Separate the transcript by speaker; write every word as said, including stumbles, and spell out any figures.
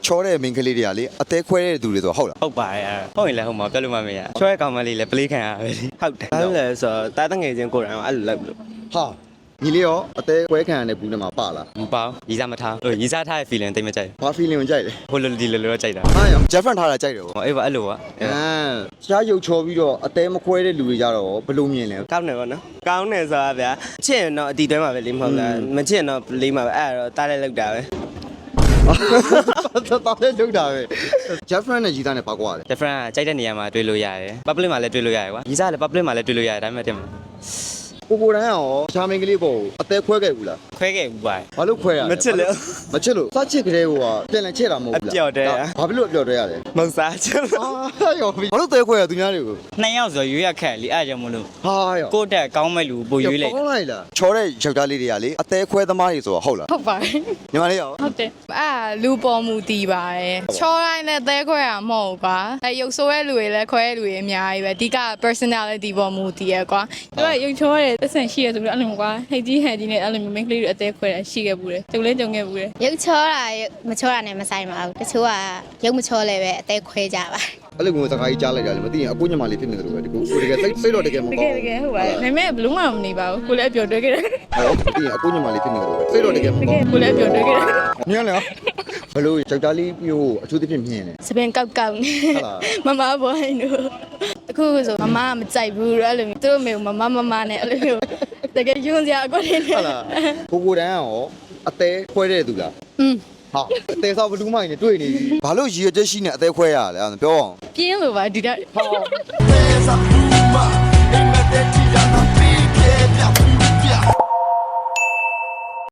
Speaker 1: ချောတဲ့မင်းကလေးတွေကလေအသေးခွဲတဲ့သူတွေဆိုဟုတ်လား
Speaker 2: ဟုတ်ပါတယ်ဟုတ်ရင်လည်းဟုတ်မှာပြောလို့မမရချောရဲ့ကောင်မလေးလည်းပလေးခံရပဲဟုတ်တယ်ဘာလို့လဲဆိုတော့တားတငယ်ချင်းကိုယ်တိုင်အဲ့လိုလုပ်လို့
Speaker 1: ဟာညီလေးရောအသေးခွဲခံရတဲ့ဘူးထဲမှာပါလား
Speaker 2: မပေါရီးစားမထားဟိုရီးစားထားတဲ့ feeling တိတ်မကြိုက်
Speaker 1: ဘာ feeling ကိုကြိုက်လဲ
Speaker 2: ဟိုလိုဒီလိုလိုတော့ကြိုက်တာ
Speaker 1: ဟာရော Jeffrey ထားတာကြိုက်တယ်ဗော
Speaker 2: ဟိုအေးပါအဲ့လိုပါ
Speaker 1: အမ်ရှားရုပ်ချောပြီးတော့အသေးမခွဲတဲ့လူတွေကြတော့ဘယ်လိုမြင်လဲ
Speaker 2: ကောင်းတယ်ဗောနော်ကောင်းတယ်ဆိုတာဗျာချစ်ရင်တော့အတီတွဲမှာပဲလေးမဟုတ်လားမချစ်ရင်တော့လေးမှာပဲအဲ့တော့တားလိုက်လောက်တာပဲ
Speaker 1: တော်တော်လေးလုပ်တာပဲ Jeffrey နဲ့ကြီးသားနဲ့ပါကွာတယ်
Speaker 2: different ကကြိုက်တဲ့နေရာမှာတွေ့လို့ရတယ် public မှာလည်းတွေ့လို့ရတယ်ကွာရီးစားလည်း public မှာလည်းတွေ့လို့ရတယ်ဒါပေမဲ့တင်မှာ
Speaker 1: ကိုကိုတန်းရောရှားမင်းကလေးပေါ့အသေးခွဲခဲ့ဘူးလား
Speaker 2: ခွဲခဲ့ဘူးပါ
Speaker 1: ဘာလို့ခွဲရလဲ
Speaker 2: မချစ်လို့
Speaker 1: မချစ်လို့စချစ်ကလေးကပြန်လည်ချစ်တာမဟုတ်ဘူးလား
Speaker 2: အပြော့တဲရ
Speaker 1: ဘာဖြစ်လို့အပြော့တဲရလဲ
Speaker 2: မဟုတ်စားချင်လို့
Speaker 1: ဟာရောဘာလို့သေးခွဲရသူများတွေကို
Speaker 2: နှစ်ယောက်ဆိုရွေးရခက်လीအဲ့ကြောင့်မလို့
Speaker 1: ဟာရော
Speaker 2: ကိုယ့်တက်ကောင်းမဲ့လူပိုရွေးလိုက်
Speaker 1: ကောင်းလိုက်လားချောတဲ့ယောက်ျားလေးတွေကလေအသေးခွဲသမားတွေဆိုတော့ဟုတ်လား
Speaker 3: ဟုတ်ပါတယ်
Speaker 1: ညီမလေးရော
Speaker 3: ဟုတ်တယ်အာလူပေါ်မူတည်ပါတယ်ချောတိုင်းနဲ့သဲခွဲရမဟုတ်ကွာအဲရုပ်ဆိုးတဲ့လူတွေလည်းခွဲတဲ့လူတွေအများကြီးပဲအဓိက personality ပေါ်မူတည်ရကွာသူကရုပ်ချောတဲ့သက်ဆန်ရှိရဆိုပြီးအဲ့လိုကွာဟိတ်ကြီးဟန်ကြီးနဲ့အဲ့လိုမျိုး main ကလေးတွေအသေးခွဲတာရှိခဲ့ဘူးတယ်ကြုံလဲကြုံခဲ့ဘူးတယ်
Speaker 4: ရုပ်ချောတာမချောတာနဲ့မဆိုင်ပါဘူးတချို့ကရုပ်မချောလဲပဲအသေးခွဲကြပါ
Speaker 1: အဲ့လိုမျိုးစကားကြီးကြားလိုက်တာလေမသိရင်အကိုညမလေးဖြစ်နေတယ်လို့ပဲဒီကိုကိုတကယ်စိတ်စိတ်တော့တကယ်မ
Speaker 3: တ
Speaker 1: ကော
Speaker 3: ကယ်
Speaker 1: င်း
Speaker 3: တကယ်ဟုတ်ပါတယ်ဒါပေမဲ့ဘလုံးမမနေပါဘူးကိုလည်းအပျော်တွဲခဲ့တယ်
Speaker 1: ဟုတ်မသိရင်အကိုညမလေးဖြစ်နေတယ်လို့ပဲစိတ်တော့တကယ်မ
Speaker 3: တက
Speaker 1: ကော
Speaker 3: ယ်
Speaker 1: င်း
Speaker 3: ကိုလည်းအပျော်တွဲခဲ့တယ်
Speaker 1: ညံ့လေဘလို့ယောက်ျားလေးမျိုးအထူးသဖြင့်မြင်တယ်
Speaker 3: စပင်ကောက်ကောက်နေ
Speaker 1: ဟုတ်လား
Speaker 3: မမဘွိုင်းတို့အခုဆိုမမကမကြိုက်ဘူးအဲ့လိုမျိုးသူတို့မေမမမမနဲ့အဲ့လိုမျိုးတကယ်ယွန်းစရာအကွက်နေ
Speaker 1: ဟုတ်လားကိုကိုတန်းရောအသေးခွဲတဲ့သူလား
Speaker 3: อืม
Speaker 1: ဟာအသေးစားဘလူးမိုင်းနဲ့တွေ့နေပြီဘာလို့ရည်ရွယ်ချက်ရှိနေအသေးခွဲရလဲပြောအောင်
Speaker 3: ပြင်းလို့ပါဒီတက်
Speaker 1: ဟာ